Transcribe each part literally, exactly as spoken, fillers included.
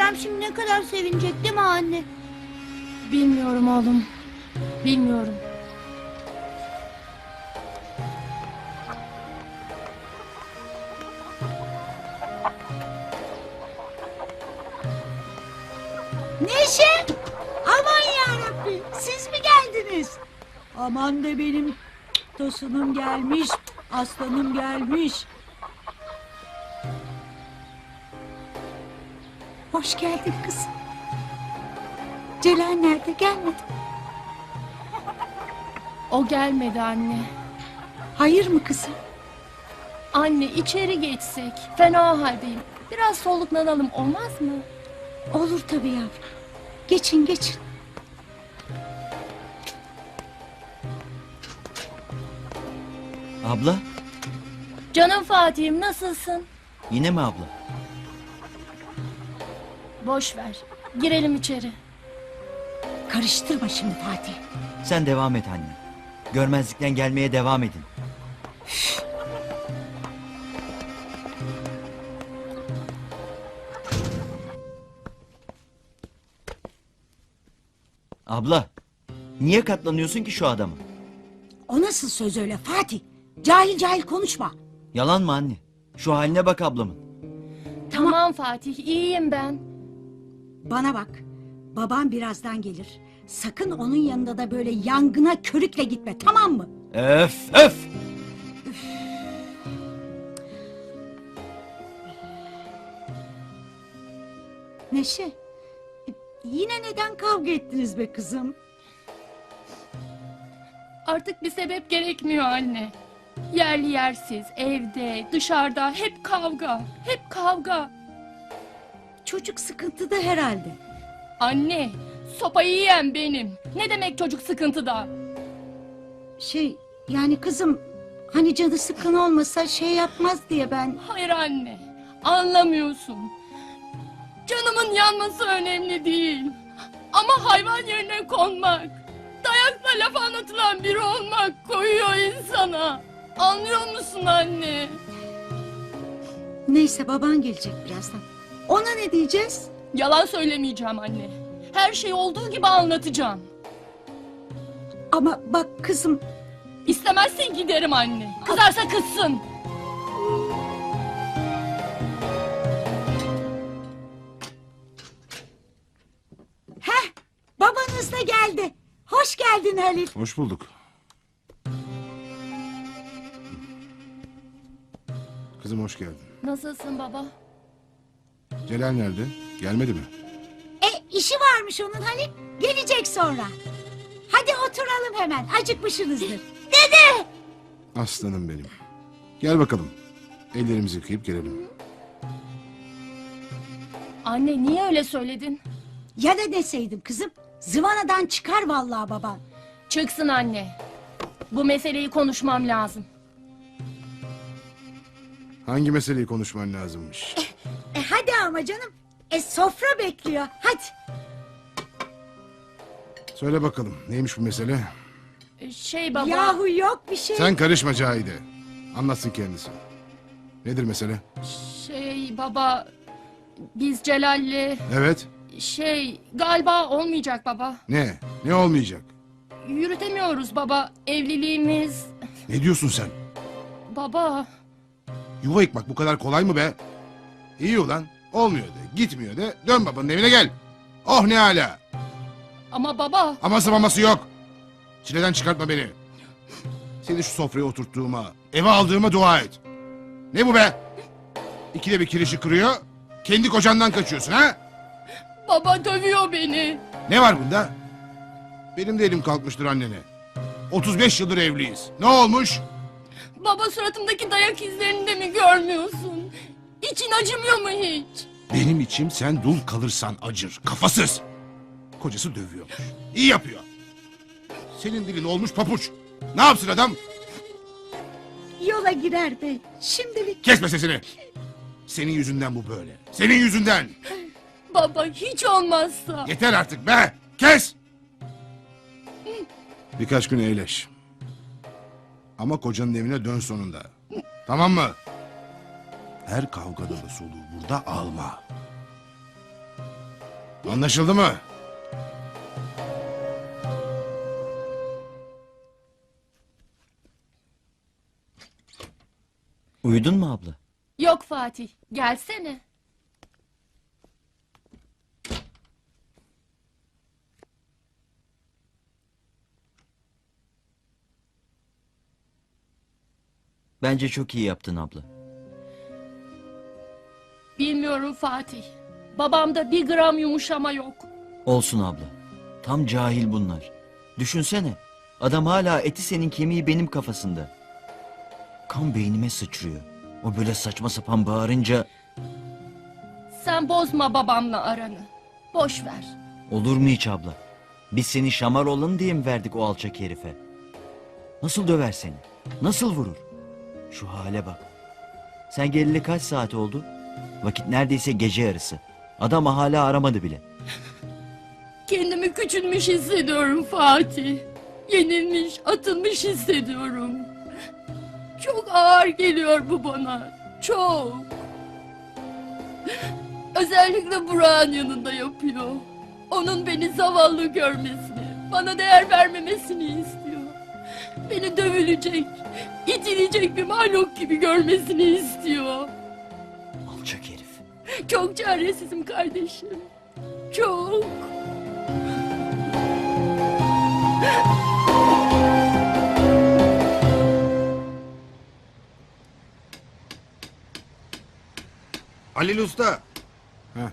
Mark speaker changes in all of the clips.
Speaker 1: Kerem şimdi ne kadar sevinecek değil mi anne?
Speaker 2: Bilmiyorum oğlum. Bilmiyorum.
Speaker 3: Neşe! Aman yarabbim, siz mi geldiniz? Aman da benim tosunum gelmiş, aslanım gelmiş. Hoş geldin kızım. Celal nerede, gelmedi?
Speaker 2: O gelmedi anne.
Speaker 3: Hayır mı kızım?
Speaker 2: Anne içeri geçsek. Fena haldeyim. Biraz soluklanalım olmaz mı?
Speaker 3: Olur tabii yavrum. Geçin geçin.
Speaker 4: Abla,
Speaker 2: Canım Fatih'im nasılsın?
Speaker 4: yine mi abla?
Speaker 2: Boş ver. Girelim içeri.
Speaker 3: Karıştırma şimdi Fatih.
Speaker 4: Sen devam et anne. Görmezlikten gelmeye devam edin. Abla, niye katlanıyorsun ki şu adama?
Speaker 3: O nasıl söz öyle Fatih? Cahil cahil konuşma.
Speaker 4: Yalan mı anne? Şu haline bak ablamın.
Speaker 3: Tamam.
Speaker 2: Tamam Fatih, iyiyim ben.
Speaker 3: Bana bak. Babam birazdan gelir. Sakın onun yanında da böyle yangına körükle gitme, tamam mı?
Speaker 4: Öf öf!
Speaker 3: Neşe, e, yine neden kavga ettiniz be kızım?
Speaker 2: Artık bir sebep gerekmiyor anne. Yerli yersiz, evde, dışarıda hep kavga. Hep kavga.
Speaker 3: Çocuk sıkıntıda herhalde.
Speaker 2: Anne, sopayı yiyen benim. Ne demek çocuk sıkıntıda?
Speaker 3: Şey, yani kızım, hani canı sıkın olmasa şey yapmaz diye ben...
Speaker 2: Hayır anne, anlamıyorsun. Canımın yanması önemli değil. Ama hayvan yerine konmak, dayakla laf anlatılan biri olmak koyuyor insana. Anlıyor musun anne?
Speaker 3: Neyse, baban gelecek birazdan. Ona ne diyeceğiz?
Speaker 2: Yalan söylemeyeceğim anne. Her şeyi olduğu gibi anlatacağım.
Speaker 3: Ama bak kızım,
Speaker 2: İstemezsen giderim anne. Kızarsa kızsın.
Speaker 3: heh, babanız da geldi. Hoş geldin Halil.
Speaker 5: Hoş bulduk. Kızım hoş geldin.
Speaker 2: Nasılsın baba?
Speaker 5: Celal nerede? Gelmedi mi?
Speaker 3: E, işi varmış onun Halil. Gelecek sonra. Hadi oturalım hemen, acıkmışsınızdır.
Speaker 5: Aslanım benim. Gel bakalım. Ellerimizi yıkayıp gelelim.
Speaker 2: Anne niye öyle söyledin?
Speaker 3: Ya da deseydim kızım, zıvanadan çıkar vallahi baban.
Speaker 2: Çıksın anne. Bu meseleyi konuşmam lazım.
Speaker 5: Hangi meseleyi konuşman lazımmış?
Speaker 3: E hadi ama canım. E sofra bekliyor. Hadi.
Speaker 5: Söyle bakalım neymiş bu mesele?
Speaker 2: Ee, Şey baba...
Speaker 3: Yahu yok bir şey.
Speaker 5: Sen karışma Cahide. Anlatsın kendisi. Nedir mesele?
Speaker 2: Şey baba... Biz Celal'le...
Speaker 5: Evet.
Speaker 2: Şey galiba olmayacak baba.
Speaker 5: Ne? Ne olmayacak?
Speaker 2: Yürütemiyoruz baba. Evliliğimiz...
Speaker 5: Ne diyorsun sen?
Speaker 2: Baba...
Speaker 5: Yuva yıkmak bu kadar kolay mı be? İyi ulan. Olmuyor de. Gitmiyor de. Dön babanın evine gel. Oh ne hala.
Speaker 2: Ama baba...
Speaker 5: Aması maması yok. Çileden çıkartma beni. Seni şu sofraya oturttuğuma, eve aldığıma dua et. Ne bu be? İkide bir kirişi kırıyor, kendi kocandan kaçıyorsun ha?
Speaker 2: Baba dövüyor beni.
Speaker 5: Ne var bunda? Benim de elim kalkmıştır annene. otuz beş yıldır evliyiz. Ne olmuş?
Speaker 2: Baba suratımdaki dayak izlerini de mi görmüyorsun? İçin acımıyor mu hiç?
Speaker 5: Benim içim sen dul kalırsan acır. Kafasız. Kocası dövüyormuş. İyi yapıyor. Senin dilin olmuş papuç. Ne yapsın adam?
Speaker 3: Yola girer bey. Şimdilik.
Speaker 5: Kesme sesini. Senin yüzünden bu böyle. Senin yüzünden.
Speaker 2: Baba hiç olmazsa.
Speaker 5: Yeter artık be. Kes. Birkaç gün eğleş. Ama kocanın evine dön sonunda. Tamam mı? Her kavgada da soluğu burada alma. Anlaşıldı mı?
Speaker 4: Uyudun mu abla?
Speaker 2: Yok Fatih, gelsene.
Speaker 4: Bence çok iyi yaptın abla.
Speaker 2: Bilmiyorum Fatih. Babamda bir gram yumuşama yok.
Speaker 4: Olsun abla. Tam cahil bunlar. Düşünsene. Adam hala eti senin kemiği benim kafasında. Kan beynime sıçrıyor. O böyle saçma sapan bağırınca
Speaker 2: Sen bozma babamla aranı. Boş ver.
Speaker 4: olur mu hiç abla? Biz seni şamar olalım diye mi verdik o alçak herife? Nasıl döver seni? Nasıl vurur? Şu hale bak. Sen geleli kaç saat oldu? Vakit neredeyse gece yarısı. Adam hala aramadı bile.
Speaker 2: Kendimi küçülmüş hissediyorum Fatih. Yenilmiş, atılmış hissediyorum. Çok ağır geliyor bu bana. Çok. Özellikle Burak'ın yanında yapıyor. Onun beni zavallı görmesini, bana değer vermemesini istiyor. Beni dövülecek, itilecek bir mahluk gibi görmesini istiyor.
Speaker 4: Alçak herif.
Speaker 2: Çok çaresizim kardeşim. Çok.
Speaker 5: Halil Usta. Heh.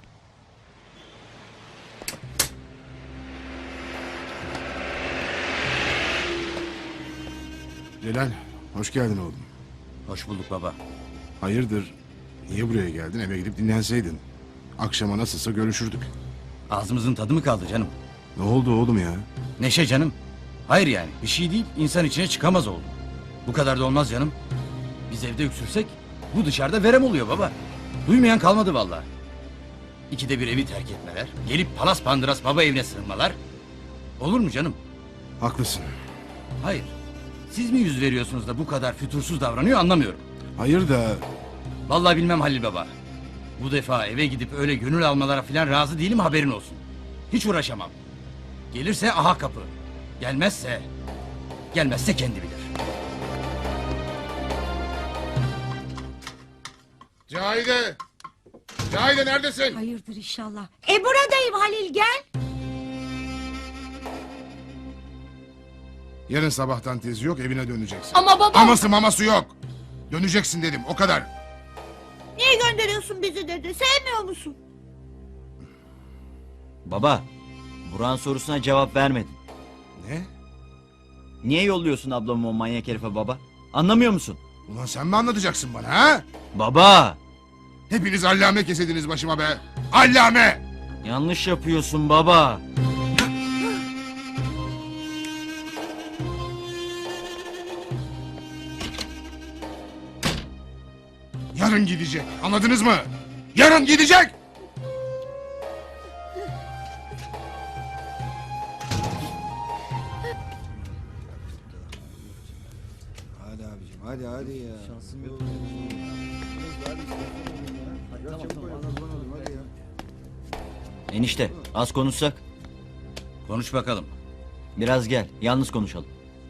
Speaker 5: Celal, hoş geldin oğlum.
Speaker 6: Hoş bulduk baba.
Speaker 5: Hayırdır? Niye buraya geldin? Eve gidip dinlenseydin. Akşama nasılsa görüşürdük.
Speaker 6: Ağzımızın tadı mı kaldı canım?
Speaker 5: Ne oldu oğlum ya?
Speaker 6: Neşe canım. Hayır yani bir şey değil, insan içine çıkamaz oldu. Bu kadar da olmaz canım. Biz evde öksürsek bu dışarıda verem oluyor baba. Duymayan kalmadı vallahi. İkide bir evi terk etmeler, gelip palas pandıras baba evine sığınmalar. Olur mu canım?
Speaker 5: Haklısın.
Speaker 6: Hayır. Siz mi yüz veriyorsunuz da bu kadar fütursuz davranıyor anlamıyorum.
Speaker 5: Hayır da
Speaker 6: Vallahi bilmem Halil baba. Bu defa eve gidip öyle gönül almalara falan razı değilim haberin olsun. Hiç uğraşamam. Gelirse aha kapı. Gelmezse... Gelmezse kendi bilir.
Speaker 5: Cahide! Cahide neredesin?
Speaker 3: Hayırdır inşallah. E buradayım Halil, gel.
Speaker 5: Yarın sabahtan tezi yok, evine döneceksin.
Speaker 2: Ama baba...
Speaker 5: Aması maması yok. Döneceksin dedim, o kadar.
Speaker 1: Niye gönderiyorsun bizi dedi? Sevmiyor musun?
Speaker 4: Baba, Burak'ın sorusuna cevap vermedin.
Speaker 5: Ne?
Speaker 4: Niye yolluyorsun ablamı o manyak herife baba? Anlamıyor musun?
Speaker 5: Ulan sen mi anlatacaksın bana ha?
Speaker 4: Baba!
Speaker 5: Hepiniz allame kesediniz başıma be. Allame!
Speaker 4: Yanlış yapıyorsun baba.
Speaker 5: Yarın gidecek, anladınız mı? Yarın gidecek!
Speaker 7: Hadi abicim hadi hadi ya. Şansım yok.
Speaker 4: Enişte, az konuşsak.
Speaker 6: Konuş bakalım.
Speaker 4: Biraz gel, yalnız konuşalım.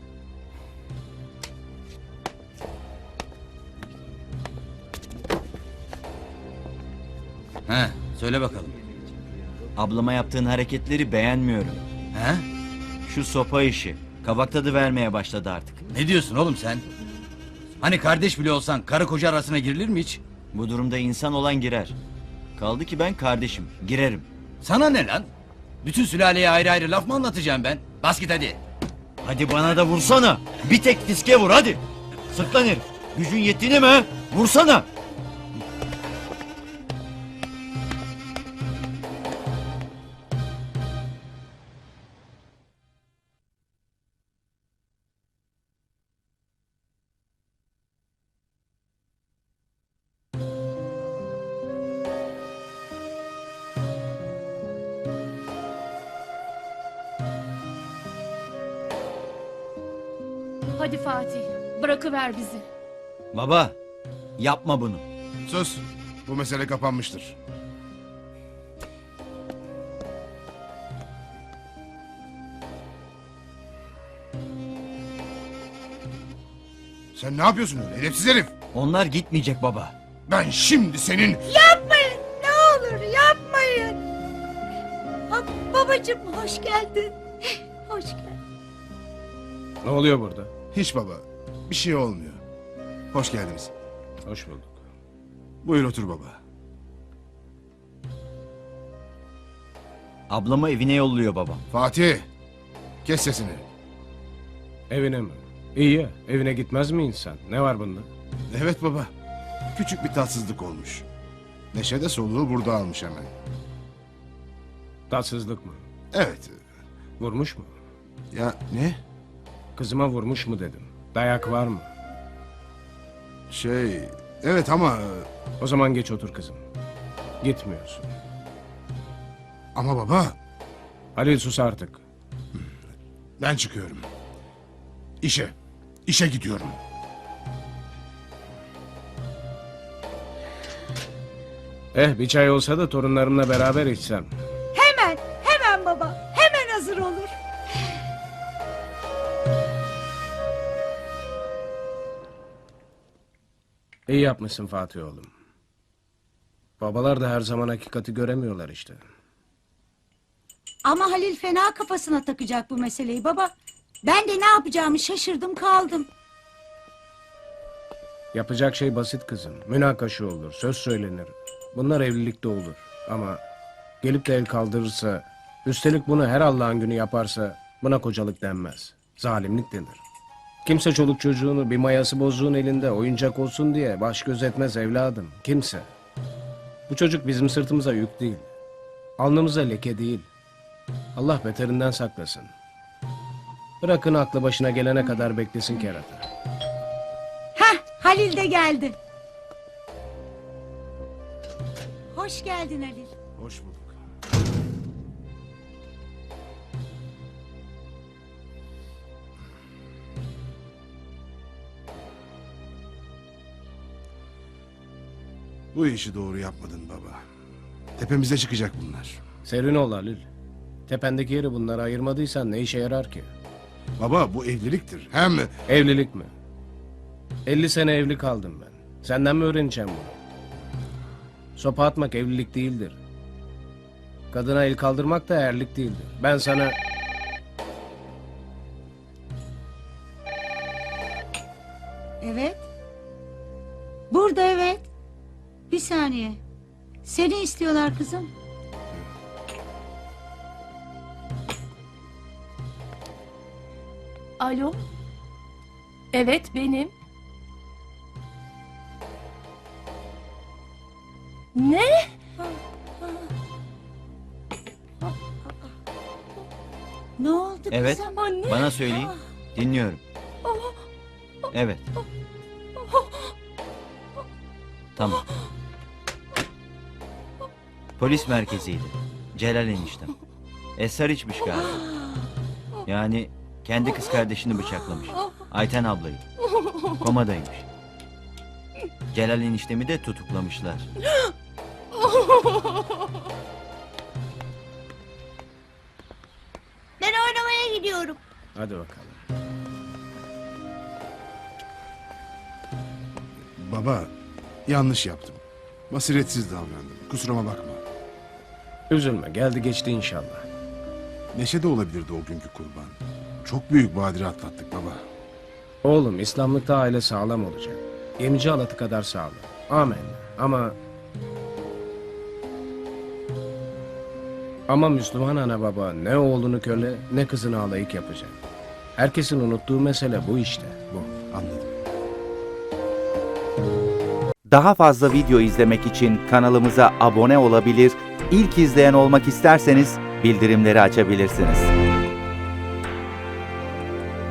Speaker 6: He, söyle bakalım.
Speaker 4: Ablama yaptığın hareketleri beğenmiyorum.
Speaker 6: He?
Speaker 4: Şu sopa işi, kabak tadı vermeye başladı artık.
Speaker 6: Ne diyorsun oğlum sen? Hani kardeş bile olsan karı koca arasına girilir mi hiç?
Speaker 4: Bu durumda insan olan girer. Kaldı ki ben kardeşim, girerim.
Speaker 6: Sana ne lan? Bütün sülaleye ayrı ayrı laf mı anlatacağım ben? Bas git hadi.
Speaker 4: Hadi bana da vursana. Bir tek fiske vur hadi. Sırtlan herif. Gücün yettiğini mi? he? Vursana.
Speaker 2: Hadi Fatih, bırakıver bizi.
Speaker 4: Baba, yapma bunu.
Speaker 5: Sus, bu mesele kapanmıştır. Sen ne yapıyorsun öyle edepsiz herif?
Speaker 4: Onlar gitmeyecek baba.
Speaker 5: Ben şimdi senin...
Speaker 3: Yapmayın ne olur yapmayın. Ha, babacığım hoş geldin. Hoş geldin.
Speaker 8: Ne oluyor burada?
Speaker 5: Hiç baba. Bir şey olmuyor. Hoş geldiniz.
Speaker 8: Hoş bulduk.
Speaker 5: Buyur otur baba.
Speaker 4: Ablamı evine yolluyor babam.
Speaker 5: Fatih. Kes sesini.
Speaker 8: Evine mi? İyi ya, evine gitmez mi insan? Ne var bunda?
Speaker 5: Evet baba. Küçük bir tatsızlık olmuş. Neşe de soluğu burada almış hemen.
Speaker 8: Tatsızlık mı?
Speaker 5: Evet.
Speaker 8: Vurmuş mu?
Speaker 5: Ya ne?
Speaker 8: Kızıma vurmuş mu dedim. Dayak var mı?
Speaker 5: Şey... Evet ama...
Speaker 8: O zaman geç otur kızım. Gitmiyorsun.
Speaker 5: Ama baba...
Speaker 8: Halil sus artık.
Speaker 5: Ben çıkıyorum. İşe. İşe gidiyorum.
Speaker 8: Eh bir çay olsa da torunlarımla beraber içsem.
Speaker 3: Hemen hemen baba hemen hazır olur.
Speaker 8: İyi yapmışsın Fatih oğlum. Babalar da her zaman hakikati göremiyorlar işte.
Speaker 3: Ama Halil fena kafasına takacak bu meseleyi baba. Ben de ne yapacağımı şaşırdım kaldım.
Speaker 8: Yapacak şey basit kızım. Münakaşa olur, söz söylenir. Bunlar evlilikte olur. Ama gelip de el kaldırırsa, üstelik bunu her Allah'ın günü yaparsa buna kocalık denmez. Zalimlik denir. Kimse çoluk çocuğunu bir mayası bozuğun elinde oyuncak olsun diye baş göz etmez evladım. Kimse. Bu çocuk bizim sırtımıza yük değil. Alnımıza leke değil. Allah beterinden saklasın. Bırakın aklı başına gelene kadar beklesin kerata.
Speaker 3: Heh Halil de geldi. Hoş geldin Halil.
Speaker 5: Hoş bulduk. Bu işi doğru yapmadın baba. Tepemize çıkacak bunlar.
Speaker 8: Serin ol Halil. Tependeki yeri bunlara ayırmadıysan ne işe yarar ki?
Speaker 5: Baba bu evliliktir. Hem
Speaker 8: Evlilik mi? elli sene evli kaldım ben. Senden mi öğreneceğim bunu? Sopa atmak evlilik değildir. Kadına el kaldırmak da erlik değildir. Ben sana...
Speaker 3: Evet. Burada evet. Bir saniye. Seni istiyorlar kızım.
Speaker 2: Alo? Evet benim. Ne?
Speaker 3: Ne oldu
Speaker 4: Evet.
Speaker 3: kızım?
Speaker 2: Anne.
Speaker 4: Bana söyleyin. Dinliyorum. Evet. Tamam. Polis merkeziydi. Celal eniştem. Esrar içmiş galiba. Yani kendi kız kardeşini bıçaklamış. Ayten ablayı. Komadaymış. Celal eniştemi de tutuklamışlar.
Speaker 1: Ben oynamaya gidiyorum.
Speaker 8: Hadi bakalım.
Speaker 5: baba yanlış yaptım. Basiretsiz davrandım. Kusuruma bakma.
Speaker 8: Üzülme, geldi geçti inşallah.
Speaker 5: Neşe de olabilirdi o günkü kurban. Çok büyük badire atlattık baba.
Speaker 8: Oğlum, İslamlıkta aile sağlam olacak. Gemici halatı kadar sağlam. Amin. Ama... Ama Müslüman ana baba ne oğlunu köle ne kızını alayık yapacak. Herkesin unuttuğu mesele bu işte. Bu.
Speaker 5: Anladım.
Speaker 9: Daha fazla video izlemek için kanalımıza abone olabilir, ilk izleyen olmak isterseniz bildirimleri açabilirsiniz.